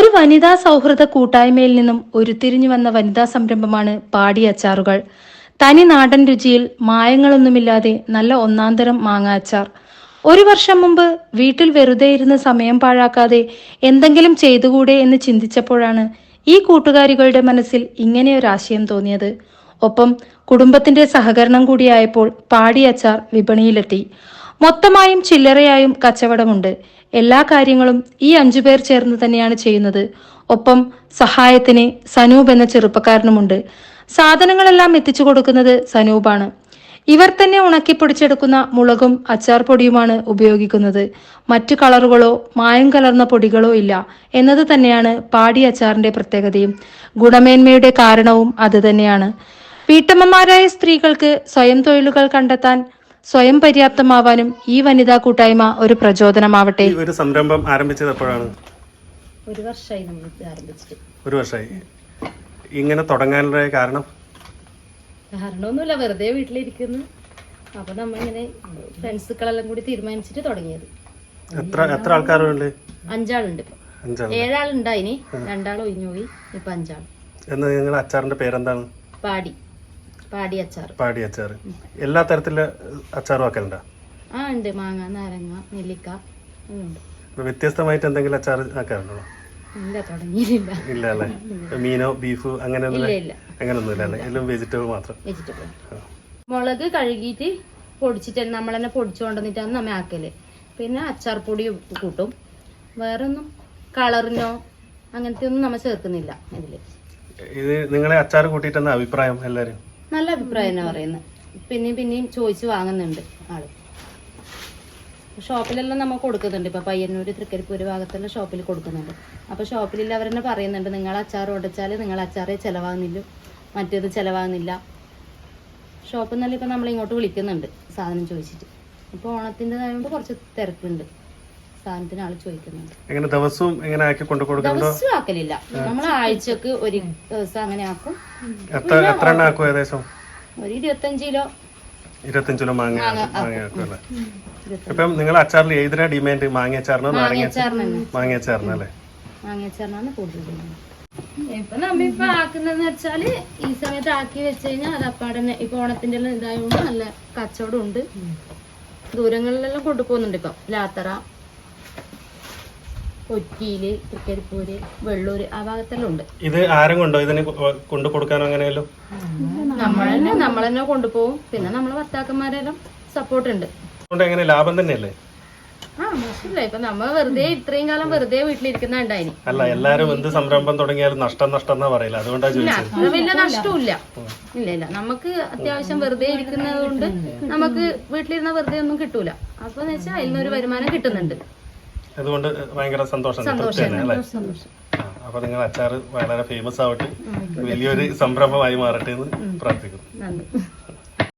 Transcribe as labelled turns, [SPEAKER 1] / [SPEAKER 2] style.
[SPEAKER 1] ഒരു വനിതാ സൗഹൃദ കൂട്ടായ്മയിൽ നിന്നും ഉരുത്തിരിഞ്ഞു വന്ന വനിതാ സംരംഭമാണ് പാടി അച്ചാറുകൾ. തനി നാടൻ രുചിയിൽ മായങ്ങളൊന്നുമില്ലാതെ നല്ല ഒന്നാന്തരം മാങ്ങ അച്ചാർ. ഒരു വർഷം മുമ്പ് വീട്ടിൽ വെറുതെ ഇരുന്ന് സമയം പാഴാക്കാതെ എന്തെങ്കിലും ചെയ്തുകൂടെ എന്ന് ചിന്തിച്ചപ്പോഴാണ് ഈ കൂട്ടുകാരികളുടെ മനസ്സിൽ ഇങ്ങനെയൊരാശയം തോന്നിയത്. ഒപ്പം കുടുംബത്തിന്റെ സഹകരണം കൂടിയായപ്പോൾ പാടി അച്ചാർ വിപണിയിലെത്തി. മൊത്തമായും ചില്ലറയായും കച്ചവടമുണ്ട്. എല്ലാ കാര്യങ്ങളും ഈ 5 പേർ ചേർന്ന് തന്നെയാണ് ചെയ്യുന്നത്. ഒപ്പം സഹായത്തിന് സനൂപ് എന്ന ചെറുപ്പക്കാരനുമുണ്ട്. സാധനങ്ങളെല്ലാം എത്തിച്ചു കൊടുക്കുന്നത് സനൂപാണ്. ഇവർ തന്നെ ഉണക്കിപ്പൊടിച്ചെടുക്കുന്ന മുളകും അച്ചാർ പൊടിയുമാണ് ഉപയോഗിക്കുന്നത്. മറ്റു കളറുകളോ മായം കലർന്ന പൊടികളോ ഇല്ല എന്നത് തന്നെയാണ് പാടി അച്ചാറിന്റെ പ്രത്യേകതയും. ഗുണമേന്മയുടെ കാരണവും അത് തന്നെയാണ്. വീട്ടമ്മമാരായ സ്ത്രീകൾക്ക് സ്വയം തൊഴിലുകൾ കണ്ടെത്താൻ, സ്വയം പര്യാപ്തമാവാനും ഈ വനിതാ കൂട്ടായ്മ ഒരു പ്രചോദനമാവട്ടെ.
[SPEAKER 2] ഒരു സംരംഭം ആരംഭിച്ചത് എപ്പോഴാണ്?
[SPEAKER 3] ഒരു വർഷമായി നമ്മൾ ആരംഭിച്ചിട്ട്.
[SPEAKER 2] ഒരു വർഷമായി. ഇങ്ങനെ തുടങ്ങാനുള്ള
[SPEAKER 3] കാരണമൊന്നുമില്ല, വെറുതെ വീട്ടിലിരിക്കുന്നു. അപ്പൊ നമ്മളിങ്ങനെ ഫ്രണ്ട്സുകളെല്ലാം കൂടി തീരുമാനിച്ചിട്ട് തുടങ്ങിയത്.
[SPEAKER 2] എത്ര ആൾക്കാരുണ്ട്?
[SPEAKER 3] 5 ആളുണ്ട്. 7 ആളുണ്ടായിനി, 2 ആൾ ഒഴിഞ്ഞു പോയി. ഇപ്പൊ 5 ആൾ.
[SPEAKER 2] നിങ്ങളുടെ അച്ചാറിന്റെ പേരെന്താണ്?
[SPEAKER 3] പാടി അച്ചാർ.
[SPEAKER 2] പാടി അച്ചാർ. എല്ലാ തരത്തിലുള്ള അച്ചാറും ആക്കലുണ്ടോ?
[SPEAKER 3] ഉണ്ട്. മാങ്ങ, നാരങ്ങ, നെല്ലിക്ക ഉണ്ട്.
[SPEAKER 2] വ്യത്യസ്തമായിട്ട് എന്തെങ്കിലും അച്ചാർ ആക്കാറുണ്ടോ?
[SPEAKER 3] ഇല്ല, തുടങ്ങിയില്ല.
[SPEAKER 2] ഇല്ല അല്ലേ? മീനോ ബീഫ് അങ്ങനെയൊന്നുമില്ല? അങ്ങനെയൊന്നുമില്ല അല്ലേ? എല്ലാം വെജിറ്റബിൾ മാത്രം.
[SPEAKER 3] മുളക് കഴുകിയിട്ട് പൊടിച്ചിട്ട് നമ്മൾ തന്നെ പൊടിച്ചു കൊണ്ടുവന്നിട്ടാണ് നമ്മ ആക്കല്. പിന്നെ അച്ചാർ പൊടി കൂട്ടും. വേറെ ഒന്നും കളറിനോ അങ്ങനത്തെ ഒന്നും നമ്മ ചേർക്കുന്നില്ല ഇതില്.
[SPEAKER 2] ഇത് നിങ്ങളെ അച്ചാർ കൂട്ടിയിട്ടെന്ന അഭിപ്രായം? എല്ലാരും
[SPEAKER 3] നല്ല അഭിപ്രായം തന്നെ പറയുന്നത്. പിന്നെയും ചോദിച്ച് വാങ്ങുന്നുണ്ട് ആള്. ഷോപ്പിലെല്ലാം നമ്മൾ കൊടുക്കുന്നുണ്ട്. ഇപ്പൊ പയ്യന്നൂര്, തൃക്കരിപ്പൂര് ഭാഗത്തെല്ലാം ഷോപ്പിൽ കൊടുക്കുന്നുണ്ട്. അപ്പൊ ഷോപ്പിലില്ല അവർ തന്നെ പറയുന്നുണ്ട്, നിങ്ങൾ അച്ചാർ ഉടച്ചാല് നിങ്ങൾ അച്ചാറേ ചെലവാകുന്നില്ല, മറ്റേത് ചെലവാകുന്നില്ല. ഷോപ്പിൽ നിന്നല്ല ഇപ്പൊ നമ്മൾ ഇങ്ങോട്ട് വിളിക്കുന്നുണ്ട് സാധനം ചോദിച്ചിട്ട്. ഇപ്പൊ ഓണത്തിൻ്റെതായതുകൊണ്ട് കുറച്ച് തിരക്കുണ്ട്. സാധനത്തിന് ആള് ചോദിക്കുന്നുണ്ട്.
[SPEAKER 2] ദിവസവും
[SPEAKER 3] ദിവസം ആക്കലില്ല, നമ്മൾ ആഴ്ചക്ക് ഒരു ദിവസം അങ്ങനെ ആക്കും. ഒരു 25 കിലോ.
[SPEAKER 2] 25 കിലോ മാങ്ങ ആക്കുമല്ലേ? ഇപ്പം നിങ്ങൾ അച്ചാറിൽ ഏതിനാ ഡിമാൻഡ്? മാങ്ങ അച്ചാറിനോ നാരങ്ങ അച്ചാറിനല്ലേ?
[SPEAKER 3] മാങ്ങ അച്ചാറിനാണ് കൂടുതൽ. ഇപ്പൊ നമ്മിപ്പോ ആക്കുന്നതെന്ന് വെച്ചാല് ഈ സമയത്ത് ആക്കി വെച്ച് കഴിഞ്ഞാൽ അത് അപ്പാടന്നെ ഇപ്പൊ ഓണത്തിന്റെ എല്ലാം ഇതായതുകൊണ്ട് നല്ല കച്ചവടം ഉണ്ട്. ദൂരങ്ങളിലെല്ലാം കൊണ്ടുപോകുന്നുണ്ട്. ഇപ്പൊ ലാത്തറ, കൊച്ചിയില്, തൃക്കരിപ്പൂര്, വെള്ളൂര് ആ ഭാഗത്തെല്ലാം ഉണ്ട്.
[SPEAKER 2] ഇത് ആരും കൊണ്ടോ ഇതിന് കൊണ്ടു കൊടുക്കാനോ? അങ്ങനെയല്ലോ
[SPEAKER 3] നമ്മൾ തന്നെ കൊണ്ടുപോകും. പിന്നെ നമ്മളെ ഭർത്താക്കന്മാരെല്ലാം സപ്പോർട്ട് ഉണ്ട്.
[SPEAKER 2] എങ്ങനെ ലാഭം തന്നെയല്ലേ?
[SPEAKER 3] മോശമില്ല. ഇപ്പൊ നമ്മ വെറുതെ ഇത്രയും കാലം വെറുതെ വീട്ടിലിരിക്കുന്ന ഉണ്ടായിനി.
[SPEAKER 2] അല്ല, എല്ലാരും എന്ത് സംരംഭം തുടങ്ങിയാലും നഷ്ടം എന്നാ പറയില്ല. അതുകൊണ്ടാണ് ചോദിച്ചത്.
[SPEAKER 3] വലിയ നഷ്ടമില്ല. ഇല്ല, നമുക്ക് അത്യാവശ്യം വെറുതെ ഇരിക്കുന്നത് കൊണ്ട് നമുക്ക് വീട്ടിലിരുന്ന വെറുതെ ഒന്നും കിട്ടൂല. അപ്പൊ വെച്ചാൽ അതിൽ നിന്നൊരു വരുമാനം കിട്ടുന്നുണ്ട്.
[SPEAKER 2] അതുകൊണ്ട് ഭയങ്കര സന്തോഷം. അപ്പൊ നിങ്ങൾ അച്ചാർ വളരെ ഫേമസ് ആവട്ടെ, വലിയൊരു സംരംഭമായി മാറട്ടെ എന്ന് പ്രാർത്ഥിക്കുന്നു.